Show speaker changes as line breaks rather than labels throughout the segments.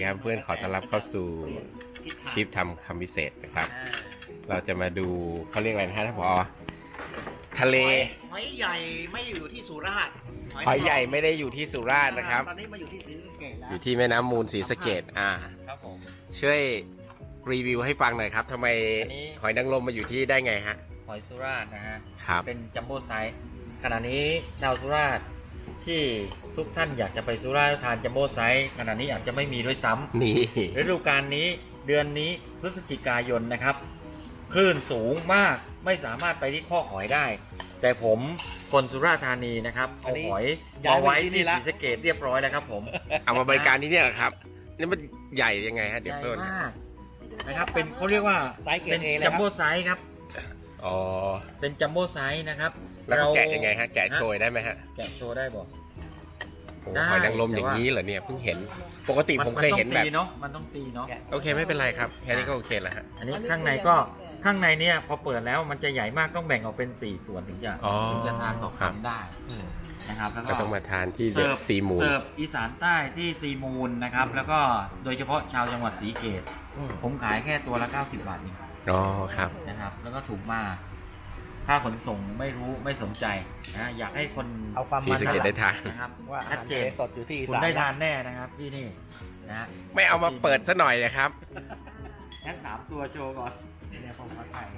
ครับเพื่อนขอต้อนรับเข้าสู่ชิปทำคำพิเศษนะครับ เราจะมาดูเขาเรียกอะไรนะฮะท่านผอทะเล
หอยใหญ่ไม่อยู่ที่สุราษฎร์
หอยใหญ่ไม่ได้อยู่ที่สุราษฎร์นะครับ
ตอนนี้มาอยู่ที่ศรีสะเกษแล้ว
อยู่ที่แม่น้ำมูลศรีสะเกษ
ครับผม
ช่วยรีวิวให้ฟังหน่อยครับทำไมหอยนางรมมาอยู่ที่ได้ไงฮะ
หอยสุราษฎร์นะฮะ
ครับ
เป็นจัมโบ้ไซส์ขณะนี้ชาวสุราษฎร์ที่ทุกท่านอยากจะไปสุราษฎร์ทานจัมโบ้ไซส์ขณะนี้อาจจะไม่มีด้วยซ้ำ
นี่
ฤดูกาลนี้เดือนนี้พฤศจิกายนนะครับคลื่นสูงมากไม่สามารถไปที่ข้อหอยได้ แต่ผมคนสุราษฎร์ธานีนะครับเอาหอยมาไว้ที่ศรีสะเกษเรียบร้อยแล้วครับผม
เอามาบริการที่นี่เหรอครับนี่มันใหญ่ยังไงฮะเดี๋ยว
ใหญ่
เพิ่ม
มากนะครับเป็นเขาเรียกว่า
ไซส์เกร
เป็
ด
น
เอเลย
จัม
ครับ
โบ้ไซส์ครับ
อ๋อ
เป็นจัมโบ้ไซส์นะครับ
แล้วเขาแกะยังไงฮะแกะโชยได้ไหมฮะ
แกะโชว์ได้บอก
โอ้
ได้
หอยนางรมอย่างนี้เหรอเนี่ยเพิ่งเห็นปกติผมเคยเห็นแบบ
มันต้องตีเนาะ
โอเคไม่เป็นไรครับแค่นี้ก็โอเคแล้วฮะ
อันนี้ข้างในเนี่ยพอเปิดแล้วมันจะใหญ่มากต้องแบ่งออกเป็น4ส่วนถึงจะทานต่อ
ครับ
คำได้นะครับแล้ว
ก็
ก็
ต้องมาทานที่เดอะซีมูน
เสิร์ฟอีสานใต้ที่ซีมูนนะครับแล้วก็โดยเฉพาะชาวจังหวัดศรีสะเกษผมขายแค่ตัวละ90 บาทเอง
อ๋อครับ
นะครับแล้วก็ถูกมากค่าขนส่งไม่รู้ไม่สนใจนะอยากให้คน
เอาความ
ศรี
มัน
สะเกษได้ทาน
นะครับ
ว่าอา
ชั
หา
ด
ร
เจ
ทะเล
น
สดอยู่ที่อี
คุณ
สาน
ได้ทานแน่นะครับที่นี่นะ
ไม่เอามาเปิดซะหน่อยนะครับ
งั้น3 ตัวโชว์ก่อนเนี่ยผมมาถ่าย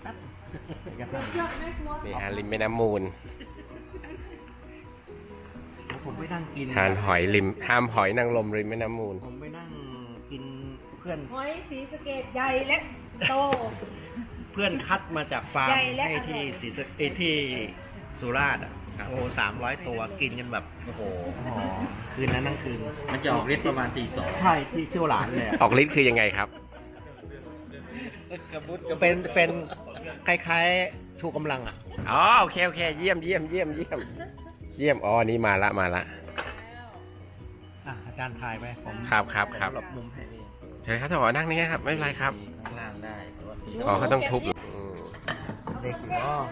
นี่ฮะริมแม่น้ำมูล
ผมไปนั่งกิน
ทานหอยริมห้ามหอยนางรมริมแม่น้ำมูล
ผมไปนั่งกินเพื่อน
หอยสีสะเกตใหญ่และโต
เพื่อนคัดมาจากฟาร์ม
ใหญ่และ
ให้ที่
อร่อย
ศรีสะเกษที่สุราษฎร์อ่ะโอ้300 ตัวกินกันแบบ
โอ้โห
คืนนั้นทั้งคืน
มันจะออกฤทธิ์ประมาณตี 2
ใช่ที่เที่ยวหลานเลยอะ
ออกฤทธิ์คือยังไงครับ
เป็นคล้ายๆชูกำลังอ่ะ
อ๋อโอเคโอเคเยี่ยมเยี่ยมเยี่ยมเยี่ยมเยี่ยมอ๋อนี่มาละมาละ
อาจารย์ถ่ายไปผม
ครับครับครับ
หลบมุมให้เอง
เชิญครับท่านผอนั่งนี่ครับไม่เป็นไรครับ
ข้างล่างได้แต่ว่าตี
อ๋อเขาต้องทุบ
เด็กเนาะ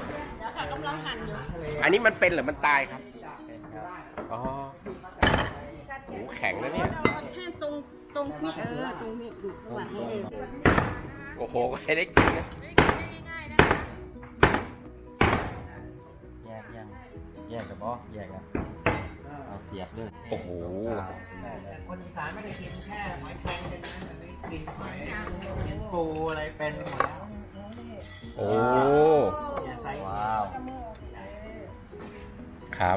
อันนี้มันเป็นหรือมันตายครับอ๋อโหแข็งนะเนี่ย
แค่ตรงตรงนี้ตรงนี้ดูระหว่างนี้เอง
โอ้โหใครได้กินนะ
แยกยังแยกกับบอแยกกันเอาเสียบด้วย
โอ้โห
คนอีสานไม่ได้กินแค่หอยแครงเลยนะแต่ได้กินหอย
ปูอะไรเป็นหมดแล้ว
โอ้
ไซส์
ว้าว
ครับ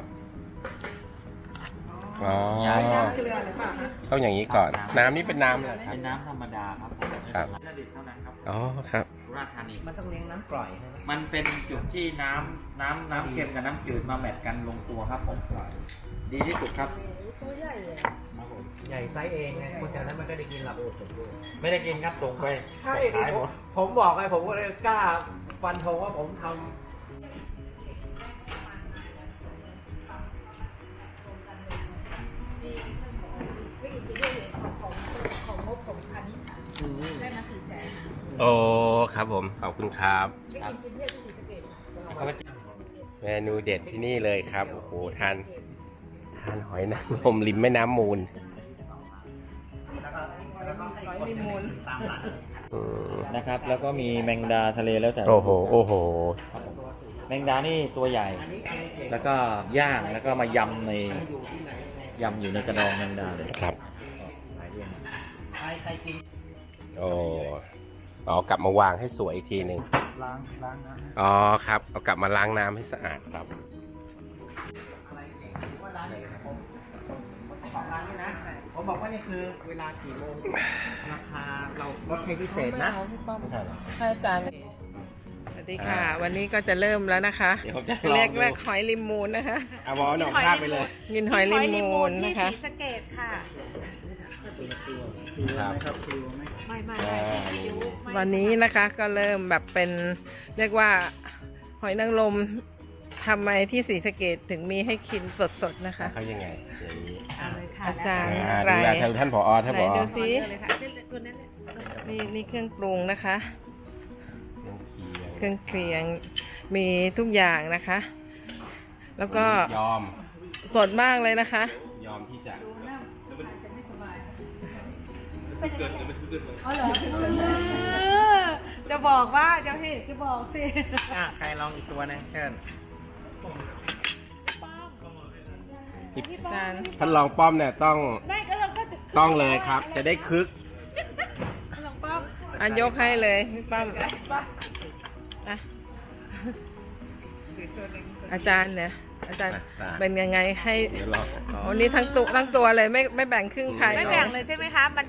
อ๋อ
ใหญ่
ต้องอย่างนี้ก่อน น้ำนี่เป็นน้ำเหรอครับ
เป็นน้ำธรรมดาครับ
ครับ
ระดิษฐ์เท่านั้นครับ
อ๋อครับ
สุราษฎร์ธานี
มันต้องเลี้ยงน้ำกร่อยใช่ไหม
มันเป็นจุดที่น้ำเค็มกับน้ำจืดมาแมทกันลงตัวครับผมดีที่สุดครับ
ตัวใหญ่เลย
ใหญ่ไซส์เองไงคนแถวนั้นมันก็ได้กินหลับ
ไม่ได้กินครับส่งไป
ใช่
ขายหมด
ผมบอกไงผมก็เลยกล้าฟันธงว่าผมทำ
ไม่อยู่ที่เรื่องของงบของอันนี้ได้มา400,000
โอ้ครับผมขอบคุณครับ
ไม่กินกินเที่ยวที่ศรีสะเกษ
เขาไป
เมนูเด็ดที่นี่เลยครับโอ้โหทานหอยนางรมริมแม่น้ำมูล
หอยลิมูน
อืม
นะครับ แล้วก็มีแมงดาทะเลแล้วแต่
โอ้โหโอ้โห
แมงดานี่ตัวใหญ่ แล้วก็ย่างแล้วก็มายำอยู่ในกระดองแมงดาเลย
ครับ
หลายเรื่อง
โอ้อ๋อกลับมาวางให้สวยอีกทีหนึ่ง
ล้างนะ
อ๋อครับเอากลับมาล้างน้ำให้สะอาดครับ
ของร้านนี้นะผมบอกว่านี่คือเวลากี่โมงราคาเราลดให้พิเศษนะ
ไม่ใช่หรอ
ค่ะอาจารย์สวัสดีค่ะ วันนี้ก็จะเริ่มแล้วนะคะ
เดี๋ยวผมจะล
เรี
อย ง
ก
ดู
ว่าหอยลิมูนนะคะ
เอาวอลหน่องภาพไปเลย
กินหอยลิมูน
ที่
นะคะ
ศรีสะเกษค่ะ
ครับ
ไม่ไม่
อ่า
ไม่
วันนี้นะคะก็เริ่มแบบเป็นเรียกว่าหอยนางรมทำไมที่ศรีสะเกษถึงมีให้กินสดๆนะคะ
เขายังไงอย่างนี้
เอาเลยค่ะ
อาจารย์
ดูแลท่านผอท่าน
ไหน
ผอ
ดูซิ
เอาเลยค่ะตัวนั้นเลย
นี่เครื่องปรุงนะคะ เครื่องเคียงมีทุกอย่างนะคะ แล้วก็
ยอม
สดมากเลยนะคะ
ยอมที่จะ
เป็นยังไงอ๋อเหรอจะบอกว่าจะให้จะบอกสิ
ใครลองอีกตัวนึงเชิญ
พี่ป้อม
ท่านรองป้อมเนี่ยต้อง
ไม่ก็เราก็
ต้องเลยครับ จะได้คึก
ลองป้อม
อันยกให้เลยพี่ป้อมอ่ะอาจารย์เนี่ยอาจารย์
อ่ะ
เป็นยังไงให้
เดี๋ยวรอ
อ๋อนี่ทั้งตัวเลยไม่แบ่งครึ่งใคร
ไม่
เล
แบ่
ย
งเลยใช่ไหมคะมัน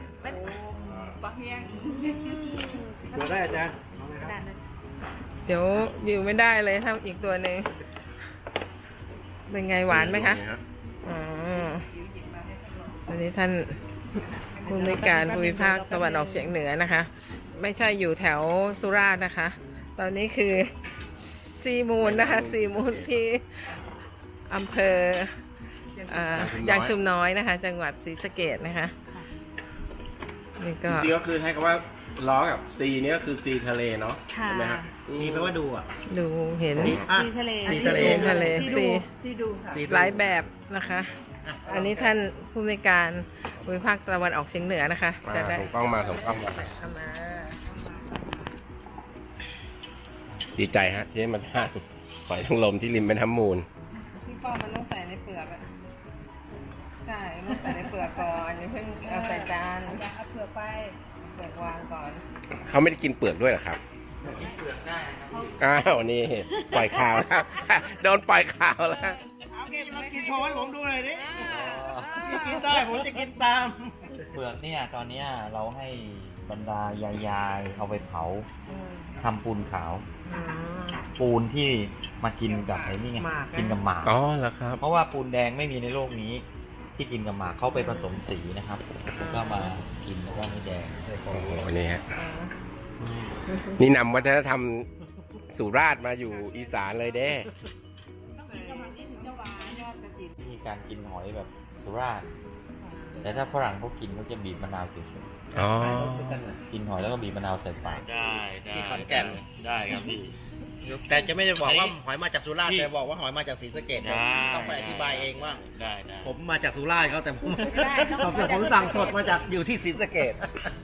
ตัวได้อาจารย์
เดี๋ยวอยู่ไม่ได้เลยถ้าอีกตัวหนึ่งเป็นไงหวานไหมคะอ๋อวันนี้ท่านผู้อำนวยการภูมิภาคตะวันออกเฉียงเหนือนะคะ ไม่ใช่อยู่แถวสุราษฎร์นะคะ ตอนนี้คือซีมูลนะคะซีมูลที่อำเภอยางชุมน้อยนะคะ จังหวัดศรีสะเกษนะคะนี่ก็
จริงๆก็คือให้คำว่าล้อกับซีนี่ก็คือซีทะเลเนาะ
ค่ะ
ใช่ไหมฮะ
ซีแปลว่าดูอ่ะ
ดูเห็น
อ่ะ
ซีทะเล
ซีทะเล
ทะเล
ซี
ซี
ดูค่ะ
ซี
หลายแบบนะคะ อันนี้ท่านผู้อำนวยการภูมิภาคตะวันออกเฉียงเหนือนะคะ จะได้
ส่งกล้องมาส่งกล้องมา
เอามา
ดีใจฮะที่ได้มาทานหอยนางรมที่ริมแม่น้ำมูล
พี่ป้อมมันต้องใส่ในเปลือกอะใช่ต้องใส่ในเปลือกก่อนอย่าเพิ่งเอาใส่จาน
เอาเผื่อไป
เปลือกวางก่อน
เขาไม่ได้กินเปลือกด้วยเหรอครับ
กินเปลือกได้นะครับ
อ้าวนี่ปล่อยข่าวแล้ว โดนปล่อยข่าวแล้ว
เอากินกินโชว์ให้ผมดูหน่อยดิพี่กินได้ผมจะกินตาม
เปลือกเนี่ยตอนเนี้ยเราให้บรรดายายๆเอาไปเผาทำปูนขาว ปูนที่มากินกับไอ้นี่ไง
หมากนะ
กินกับหมาก
อ๋อเหรอครับ
เพราะว่าปูนแดงไม่มีในโลกนี้ ที่กินกับหมากเขาไปผสมสีนะครับแล้วก็มากินแล้วก็ไม่แดง
โอ้โหนี่ฮะนี่นำวัฒนธรรมสุราษฎร์มาอยู่อีสานเลยเด้
วิธีการกินหอยแบบสุราษฎร์แต่ถ้าฝรั่งเขากินเขาจะบีบมะนาวเฉย
อ๋อ
ๆกินหอยแล้วก็บีบมะนาวใส่ปากได้
ที่ขอนแก่น
ได้ครับพี่
แต่จะไม่ได้บอกว่า
อันนี้
หอยมาจากสุราษฎร์
พี่
แต่บอกว่าหอยมาจากศรีสะเกษ
ได้
ต้องไปอธิบายเองว่า
ได้ได้
ผมมาจากสุราษฎร์เขาแต่ผม
ไม่ได้ต้อง
ผมสั่งสดมาจากอยู่ที่ศรีสะเกษ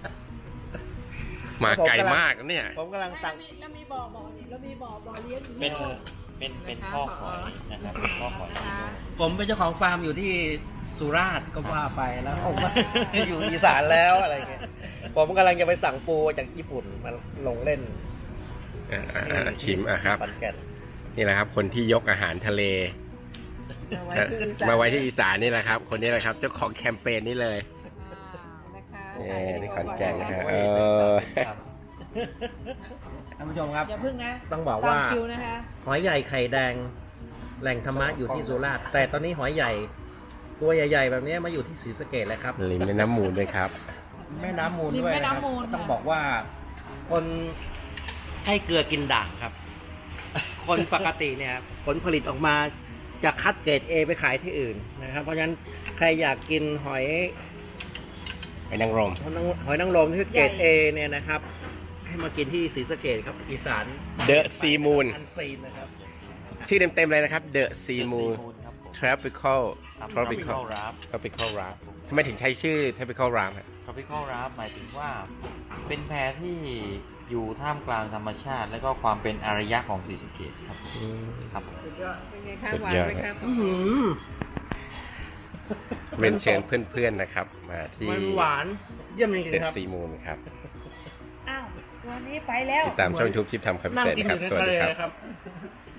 มาไกลมากนะเนี่ย
ผมกำลังสั่ง
แล้วมีบ่อนี่แล้วมีบ่อเลี้ยงอยู่
เป็นข้อหอยนะครับเป็นข้อหอย
ผมเป็นเจ้าของฟาร์มอยู่ที่สุราษฎร์ก็ว่าไปแล้วผมก็ อยู่อีสานแล้วอะไรเงี้ยผมกำลังจะไปสั่งปูจากญี่ปุ่นมาลงเล่น
ชิมครับ
ขอนแก่น
นี่แหละครับ คนที่ยกอาหารทะเล มาไว้ที่อีสานนี่แหละครับ คนนี้แหละครับ เจ้าของแคมเปญนี้เลยที่ขอนแก่นนะฮะ
ครับ
ท่านผู้ชมครับ
อย่าพึ่งนะ
ต้องบอก
ตา
ว่า
มคิวนะคะ
หอยใหญ่ไข่แดงแหล่งธรรมะอยู่ที่สุราษฎร์แต่ตอนนี้หอยใหญ่ตัวใหญ่ๆแบบนี้มาอยู่ที่ศรีสะเกษแล้วครับ
ริมแม่น้ำมูลด้วยครับ
แม่น้ำมูล
ริม
ด้วย
แม่
นะครับ
น้ำมูล
ต้องบอกว่า คนให้เกลือกินด่างครับ คนปกติเนี่ยผลผลิตออกมาจะคัดเกรด A ไปขายที่อื่นนะครับ เพราะฉะนั้นใครอยากกินหอย
ไปนางรม
หอยนางรมที่เกรด A เนี่ยนะครับ ให้มากินที่ศรีสะเกษครับอีสาน
The Sea Moon
อันซีนนะครับ
ชื่อเต็มๆเลยนะครับ The Sea Moon
ครับผม
Tropical
Tropical
Tropical
Wrap
Tropical Wrap ทำไมถึงใช้ชื่อ Tropical Wrap ฮะ
Tropical Wrap หมายถึงว่า เป็นแพที่อยู่ท่ามกลางธรรมชาติ และก็ความเป็นอารยะของศรีสะเกษครับครับผม
สุดยอดเป็นไงคะ
สุด
หวาน
ยอด
ไหมครับ
เรียนเชิญเพื่อนๆนะครับ มาที่
มันหวานเยี่ยมจริง
The
ๆครับ
Sea Moon ครับ
อ้าววันนี้ไปแล้ว
ติดตามช่อง YouTube ชิปทำคำพิ
นั่ง
เศษ
กิน
นะ
อ
ครับ
ยู่ใน
สวัส
ทะ
ดี
เล
ครับ
นะครับ